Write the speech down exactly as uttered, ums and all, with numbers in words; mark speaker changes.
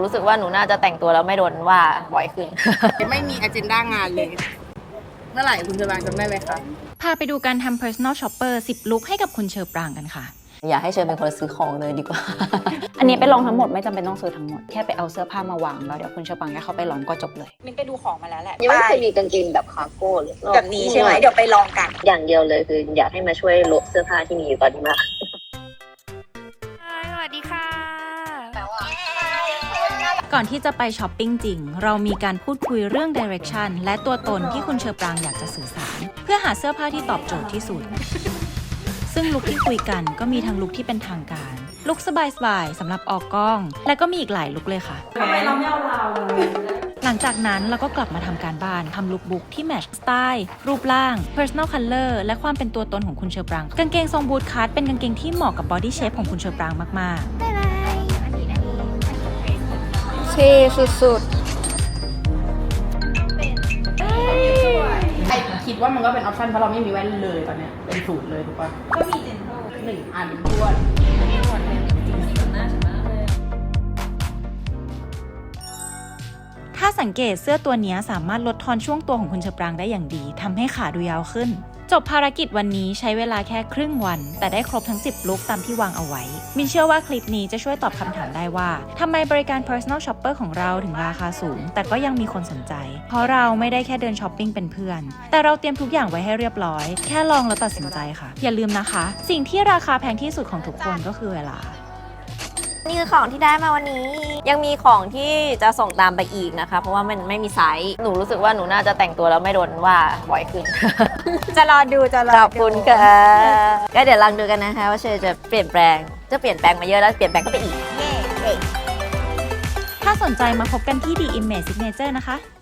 Speaker 1: รู้สึกว่าหนูน่าจะแต่งตัวแล้วไม่โดนว่าบ่อยขึ้น
Speaker 2: ไม่มีอเจนดางานเลย เมื่อไหร่คุณจะบางจำได้ไหมคะ
Speaker 3: พาไปดูการทำ personal shopper สิบ ลุคให้กับคุณเชอปรางกันค่ะ
Speaker 1: อยากให้เชิญเป็นคนซื้อของเลยดีกว่า
Speaker 4: อันนี้ไปลองทั้งหมดไม่จำเป็นต้องซื้อทั้งหมดแค่ไปเอาเสื้อผ้ามาวางแล้วเดี๋ยวคุณเชอปังแค่เขาไปลองก็จบเลย
Speaker 5: มินไปดูของมาแล้วแหละ
Speaker 6: ยังไม่เคยมีกางเกงแบบคาร์โก้เลย
Speaker 5: แบบนี้ใช่ไหมเดี๋ยวไปลองกัน
Speaker 6: อย่างเดียวเลยคืออยากให้มาช่วยลบเสื้อผ้าที่มีอยู่ตอนนี้มาก
Speaker 3: สวัสดีค่ะ ก่อนที่จะไปช้อปปิ้งจริง เรามีการพูดคุยเรื่อง direction และตัวตนที่คุณเชอปรางอยากจะสื่อสาร เพื่อหาเสื้อผ้าที่ตอบโจทย์ที่สุด ซึ่งลุคที่คุยกันก็มีทั้งลุคที่เป็นทางการ ลุคสบายๆสำหรับออกกล้อง และก็มีอีกหลายลุคเลยค่ะ
Speaker 5: ทำไมเราไม่เอาเรา
Speaker 3: หลังจากนั้นเราก็กลับมาทำการบ้านทำลุคบุ๊กที่แมทช์สไตล์รูปร่าง personal color และความเป็นตัวตนของคุณเชอปราง กางเกงทรงบูทคัทเป็นกางเกงที่เหมาะกับบอดี้เชฟของคุณเชอปรางมากๆ
Speaker 4: เท่สุด
Speaker 2: ไอคิดว่ามันก็เป็นออปชั่นเพราะเราไม่มีแว่นเลยตอนเนี้ยเป็นสูตรเลยถูกปะก็มีเจนโตหนึ่งอันด้วย
Speaker 3: ถ้าสังเกตเสื้อตัวนี้สามารถลดทอนช่วงตัวของคุณเชอปรางได้อย่างดีทำให้ขาดูยาวขึ้น จบภารกิจวันนี้ใช้เวลาแค่ครึ่งวัน แต่ได้ครบทั้งสิบลุคตามที่วางเอาไว้ มินเชื่อว่าคลิปนี้จะช่วยตอบคำถามได้ว่าทำไมบริการ personal shopper ของเราถึงราคาสูง แต่ก็ยังมีคนสนใจ เพราะเราไม่ได้แค่เดินช้อปปิ้งเป็นเพื่อน แต่เราเตรียมทุกอย่างไว้ให้เรียบร้อย แค่ลองแล้วตัดสินใจค่ะ อย่าลืมนะคะ สิ่งที่ราคาแพงที่สุดของทุกคนก็คือเวลา
Speaker 1: นี่คือของที่ได้มาวันนี้ ยังมีของที่จะส่งตามไปอีกนะคะ เพราะว่ามันไม่มีไซส์หนูรู้สึกว่าหนูน่าจะแต่งตัวแล้วไม่โดนว่าบ่อยขึ้น
Speaker 5: จะรอดูจะรอ
Speaker 1: ขอบคุณค่ะก็เดี๋ยวลองดูกันนะคะว่าเชอจะเปลี่ยนแปลงจะเปลี่ยนแปลงมาเยอะแล้วเปลี่ยนแปลงก็ไปอีก
Speaker 3: ถ้าสนใจมาพบกันที่ The Image Signature นะคะ